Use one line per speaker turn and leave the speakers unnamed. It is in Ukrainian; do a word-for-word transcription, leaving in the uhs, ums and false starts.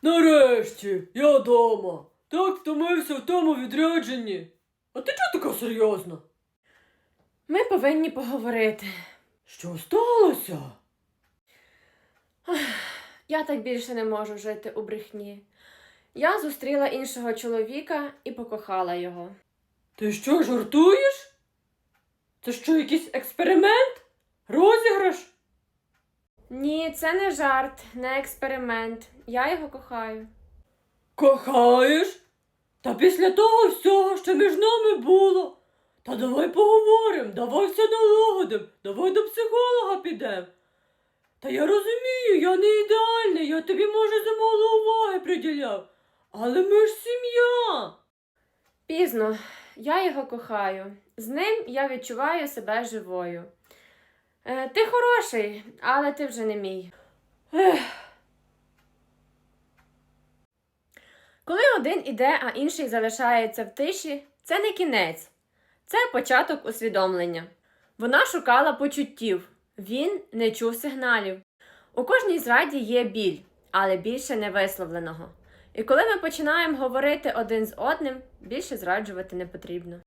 Нарешті, я дома. Так втомився в тому відрядженні. А ти чого така серйозна?
Ми повинні поговорити.
Що сталося?
Я так більше не можу жити у брехні. Я зустріла іншого чоловіка і покохала його.
Ти що, жартуєш? Це що, якийсь експеримент? Розіграш?
Ні, це не жарт, не експеримент. Я його кохаю.
Кохаєш? Та після того всього, що між нами було. Та давай поговоримо, давай все налагодимо, давай до психолога підемо. Та я розумію, я не ідеальний, я тобі, може, замало уваги приділяв. Але ми ж сім'я.
Пізно. Я його кохаю. З ним я відчуваю себе живою. Е, ти хороший, але ти вже не мій.
Ех.
Коли один іде, а інший залишається в тиші, це не кінець. Це початок усвідомлення. Вона шукала почуттів. Він не чув сигналів. У кожній зраді є біль, але більше не висловленого. І коли ми починаємо говорити один з одним, більше зраджувати не потрібно.